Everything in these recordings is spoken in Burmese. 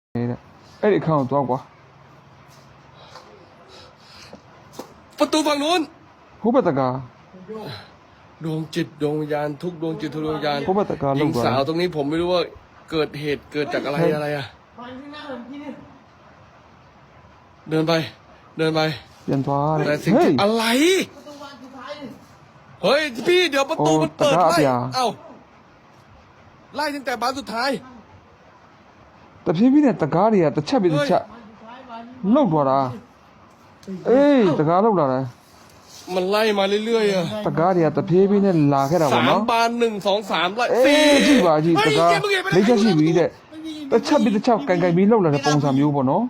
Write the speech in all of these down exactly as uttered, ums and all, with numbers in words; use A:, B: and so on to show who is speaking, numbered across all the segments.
A: အဲ့ဒီအခန်းကိုသွားကွာ
B: ประตูฝั่งนู้น
A: ဟိုဘက်တကား
B: ดวงจิตดวงวิญญาณทุกดวงจิตทุกดวงวิญญาณ
A: ဟိုဘက်ตะการ
B: หญิง
A: လောက်သွား
B: สาวตรงนี้ผมไม่รู้ว่าเกิดเหตุเกิดจากอะไรอะไรอะเดินไป เดินไป
A: ပြန်သွားတ
B: แต่
A: ယ်
B: สิ่ง
A: ဟေး
B: ที่อะไรเฮ้ยพี่เดี๋ยวประตู
A: โอ้
B: มันเปิด
A: ตะกร้า
B: ไล่
A: เปีย
B: เอ้าไล่ตั้งแต่บานสุดท้าย
A: တဖြည်းဖြည်းနဲ့တကားတွေကတစ်ချက်ပြီးတစ်ချက်လှုပ်သွားတာအေးတကားလှုပ်လာတယ်
B: มันไล่มาเรื่อยๆอะ
A: တကားတွေကတဖြည်းဖြည်းနဲ့လာခဲ့တာ
B: สา
A: ပေါ့
B: ม
A: နော်
B: บานหนึ่งสองสามไล่
A: အေ
B: สี่
A: းကြည့်ပါကြည့်
B: เฮ้
A: တ
B: ย
A: ကား
B: เกมเมื่อกี้
A: လေးချက်ရှိပြီတဲ့တစ်ချက်ပြီးတစ်ချက်ကန်ကန်ပြီးလှုပ်လာတဲ့ပုံစံမျိုးပေါ့နော်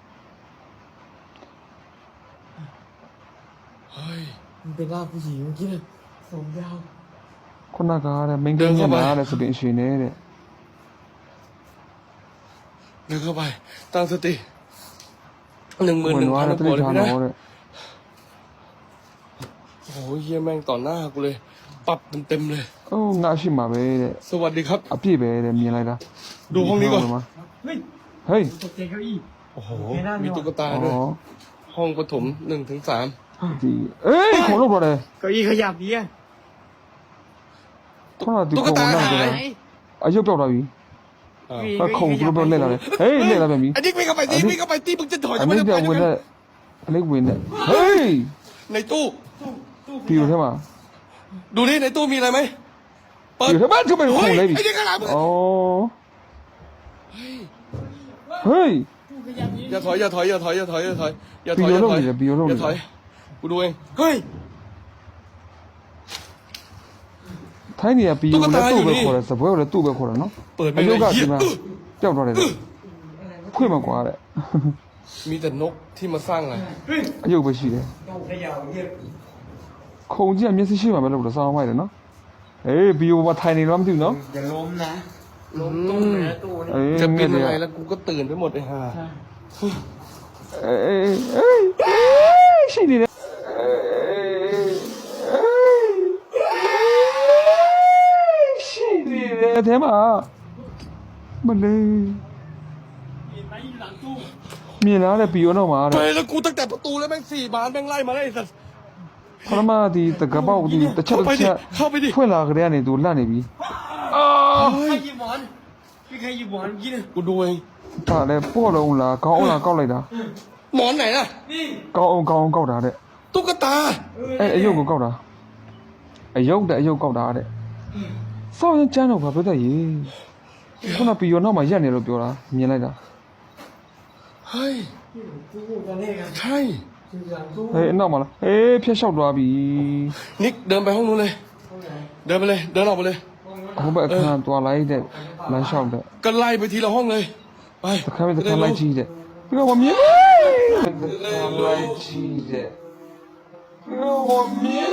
B: เฮ้ย
C: มันเป็นร่างผู้หญิงเมื่อกี้นะผมยาว
A: ခုနကတဲ့မင်းကင်းညနာတဲ့စပင်ရှင်နေတဲ့
B: เดินเข้าไปตั้งสติหนึ่งหมื่น
A: ဝ
B: ห
A: င်
B: นึ่ง
A: သွား
B: พัน
A: တဲ့တိ
B: หัว
A: ကျ
B: เลย
A: န်
B: พี่นะ
A: တော့တဲ့
B: โอ้ยเยี่ยแม่งต่อหน้ากูเลย ปรับเต็มๆเลย
A: အိုးငါရှိမှာပဲတဲ့
B: สวัสดีครับ
A: အပြည့်ပဲတဲ့မြင်လိုက်တာ
B: ดูห้องนี้ก่อน
C: เฮ้ย
A: ဟေး
C: ตกใจเก้าอี้
B: โอ้โห
C: โอเคนะ
B: มีตุ๊กตา
A: ဩ
B: ด้วย ห้องปฐมหนึ่งถึงสาม
A: ဒီအေးခုံလှုပ်သွားတယ်
C: เก้าอี้ขยับดีอ่ะ
A: ခုနကဒီခုံနောက်ကြတယ်အယုတ်ပြောက်သွားပြီ
B: อ่า
A: အခုံသူတို့ပြောလက်လာတယ်ဟေးလက်လာပြန်ပြီ
B: ไอ้นี่ไม่เข้าไปตีไม่เข้าไปตีมึงจะถอย
A: အ
B: จะ
A: မိ
B: ไม่
A: တ်
B: ได้
A: က
B: ไป
A: ဝင်
B: ใช่ไหม
A: တဲ့အလေးဝင်တဲ့ဟေး
B: ในตู้
A: ပြီလို့ထဲမှာ
B: ดูนี่ในตู้มีอะไรไหมเปิด
A: ပြီထဲမှာသူ့ပဲခုံ
B: เฮ้ย
A: လိုက်ပြီ
B: ไอ้นี่ข้างหลังมึง
A: ဩဟေး
B: อย่าถอยอย่าถอยอย่าถอยอย่าถอยอย่าถอยอย่าถอย
A: ปี
B: อย่า
A: โยโร่
B: ถอย
A: มีเลยปีโยโร่มี
B: อย่าถอยกูดูเองเฮ้ย
A: ထိုင်းနေရပြီးလို့လည်းသူ့ပဲခေါ်တယ်စပွဲကိုလည်းသူ့ပဲခေါ်တယ်နော်
B: เปิดไป
A: အ
B: เล
A: ယု
B: ย
A: တ်က
B: เหี้
A: ဒီ
B: ย
A: မှာပျောက်သွားတယ်တဲ့ခွင့်မကွာတဲ့
B: มีแต่นกที่มาสร้างอะไร
A: အယုတ်ပဲရှိတယ်
C: ต้องขยับเงียบ
A: ခုံကြီးကမျက်စိရှိမှပဲလို့တော့စောင်းမိုက်တယ်နော်အေးဘီယိုဘာထိုင်နေတော့မသိဘူးနော်
C: อย่าล้มนะล้มตู้เลยนะตู้นี่
A: အေး
B: จะ
A: င
B: เป็น
A: နေ
B: อะไร
A: ရ
B: แล้วกูก็ตื่นไปหมดเลยฮะ
A: အေးအေးအေးရှိနေတယ်ရှိနေတယ်အဲမှာမလေး
C: มีไม้อยู่หลังตู้
A: မြင်လာတဲ့ဘီယိုတော့မှာ
B: ไป
A: တဲ့
B: แล้วกูตั้งแต่ประตูแล้วแม่งสี่บานแม่งไล่มาได้ไอ้สัส
A: ပထမဒီတကပောက်ဒီတစ်ချက်တစ်ချက်
B: เข้าไปดิ
A: ဖွင့်လာကြတဲ့ကနေသူလန့်နေပြီအာ
C: ใครหยิบหมอนพี่ใครหยิบหมอนเมื่อกี้นะ
B: กูดูเอง
A: ဒါလည်းပေါ့လုံးလားကောင်းအောင်လားကောက်လိုက်တာ
B: หมอนไหนล่ะ
C: นี่
A: ကောင်းအောင်ကောင်းအောင်ကောက်တာတဲ့
B: ตุ๊กตา
A: အဲအယုတ်ကိုကောက်တာအယုတ်တဲ့အယုတ်ကောက်တာတဲ့စောင်းရင်ကျန်းတော့ဘာပြောတတ်ရေခုနပီယောနောက်မှာရက်နေလို့ပြောတာမြင်လိုက်တာ
B: เฮ้ย
C: ตู้ตอนแรกอะ
B: ใช่
C: อยู่หลังตู้
A: ဟေးအနောက်မှာလားအေးဖျက်လျှောက်သွားပြီ
B: นิกเดินไปห้องนู้นเลย
C: ห้องไหน
B: เดินไปเลย เดินออกไปเลย
A: ဟိုဘက်အခန်းသွားလိုက်တဲ့လမ်းလျှောက်တဲ့
B: ก็ไล่ไปทีละห้องเลย ไป
A: တစ်ခါမှတစ်ခါလိုက်ကြည့်တဲ့ပြီးတော့မြင်လိုက်ကြည့်တဲ့ပြီးတော့မြင်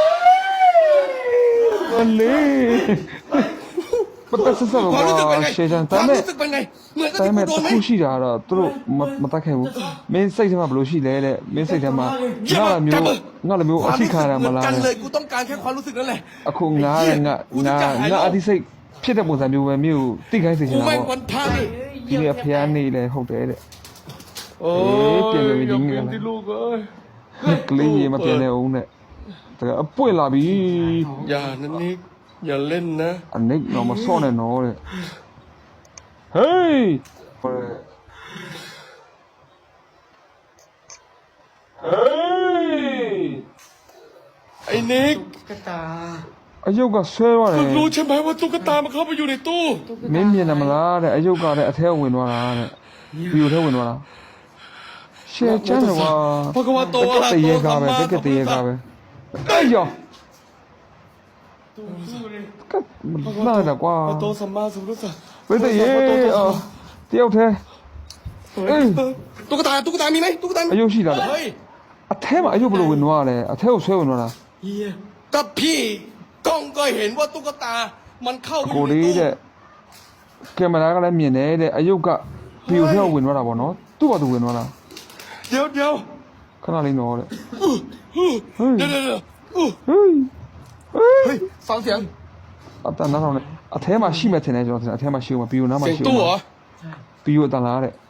A: လေပတ်သက်ဆက်တော့
B: ความรู้สึกเป็นไง
A: ရှေ့ချန်
B: ควา
A: ဒါ
B: ม
A: မဲ့
B: รู้สึกเป็นไง เหมือนกับ
A: ဒါ
B: ที่
A: ပေ
B: กู
A: မဲ့
B: โด
A: တ
B: นไหม
A: ခုရှိတာကတော့သူတို့မတတ်ခဲ့ဘူးမင်းစိတ်ထဲမှာဘယ်လိုရှိလဲတဲ့မင်းစိတ်ထဲမှာငါလည်းမျိုးငါလည်းမျိုး
B: ค
A: အ
B: วาม
A: ထိ
B: รู้
A: ခါ
B: สึก
A: ရ
B: เห
A: မ
B: มือน
A: လား
B: กันเล
A: တဲ့
B: ย กูต้องการแค่ความรู้สึกนั่นแหละ
A: အခုငါငါငါငါအတိစိတ်ဖြစ်တဲ့ပုံစံမျိုးပဲမျိုးတိခိုင်းစေချ
B: กู
A: င်တာ
B: แม่ง
A: ပေါ့
B: วันพระนี่
A: ဒီနေ့ဖျားနေလဲဟုတ်တယ်တဲ့
B: โอ้
A: เอ๊ะ
B: ย
A: เปลี่ยนไปเป็น
B: อย่า
A: ยังไง
B: เปลี่ยน
A: ล่ะ
B: ที่ลูกเอ้ย
A: ကလေးကြီးမပြန်နေအောင်နဲ့ဒါအပွင့်လာပြီ
B: อย่านั่นนี่อย่าเล่นนะ
A: အနိတ်တော့မစော့နဲ့နော်တဲ့ဟေးဟေး
B: ไอ้นิก
C: ตุ๊กตา
A: အယုတ်ကဆွဲသွားတယ်
B: มึงรู้ใช่ไหมว่าตุ๊กตามันเข้าไปอยู่ในตู้
A: မင်းမြင်တယ်မလားတဲ့အယုတ်ကလည်းအထဲဝင်သွားတာတဲ့ဘီယိုထဲဝင်သွားတာရှယ်ချမ်းတော့
B: พระกวาโต
A: တ
B: อะ
A: က
B: ระ
A: ယ်တရေ
B: โต
A: ကား
B: สัม
A: ပဲ
B: มา
A: တကယ်တရေကားပဲအေးရော
C: ตู้ตู้เลย
A: ကတ်လာတာကွာ
B: พระโตสัมมาสัมพุทธัสสะ
A: ဘယ်တရေအော်တယောက်တည်းအေး
B: ตุ๊กตาตุ๊กตามีไหมตุ๊กตา
A: အယုတ်ရှိတာလေ
B: เฮ้ย
A: အထဲမှာအယုတ်ဘယ်လိုဝင်သွားလဲအထဲကိုဆွဲဝင်သွားတာ
C: เฮีย
B: ก็พี่กล้องก็เห็นว่าตุ๊กตา มันเข้าไปอ
A: ကို
B: ยู่ใน
A: လေး
B: ตู้
A: တဲ့ကင်မရာကလည်းမြင်တယ်တဲ့အယုတ်ကဘီယိုထဲကိုဝင်သွားတာပေါ့နော်သူ့ဘာသူဝင်သွားတာ
B: เดี๋ยวเดี๋ยว
A: ခဏလေးနော်တဲ့
B: เดี๋ยวเดี๋ยวเดี๋ยวอู้
A: ဟေးဟေး
B: เฮ้ยฟังเสียง
A: အတန်နားထောင်နေအထဲမှာရှိမှထင်တယ်ကျွန်တော်ထင်တယ်အထဲမှာရှိဦးမှာဘီယိုနားမှာ
B: เสียง
A: ရှိဦး
B: ตู้เหร
A: မှာ
B: อ
A: ဘီယိုအတန်လားတဲ့